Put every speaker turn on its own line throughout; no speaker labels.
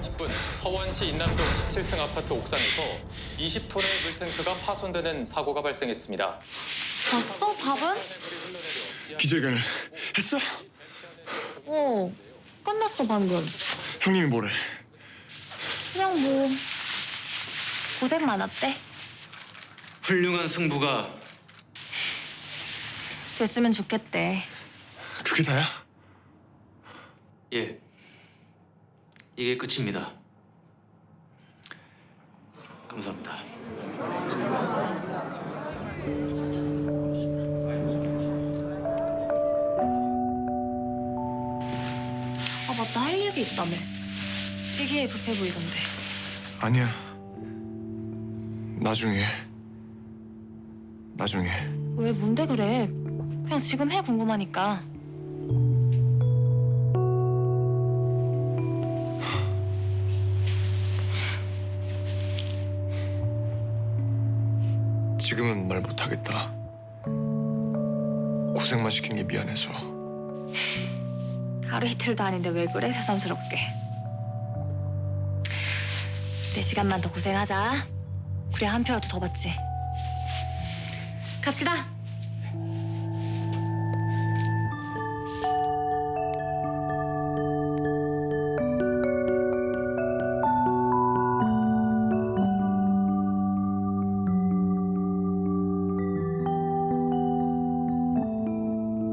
30분 서원시 인남동 17층 아파트 옥상에서 20톤의 물탱크가 파손되는 사고가 발생했습니다.
봤어? 밥은?
기자회견을 했어?
끝났어 방금.
형님이 뭐래?
그냥 뭐 고생 많았대.
훌륭한 승부가
됐으면 좋겠대.
그게 다야?
예, 이게 끝입니다. 감사합니다.
아 맞다, 할 얘기 있다며. 되게 급해 보이던데.
아니야. 나중에.
왜 뭔데 그래? 그냥 지금 해, 궁금하니까.
지금은 말 못하겠다. 고생만 시킨 게 미안해서.
하루 이틀도 아닌데 왜 그래, 새삼스럽게. 4시간만 더 고생하자. 그래야 한 표라도 더 받지. 갑시다.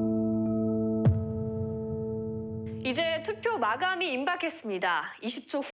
이제 투표 마감이 임박했습니다. 20초 후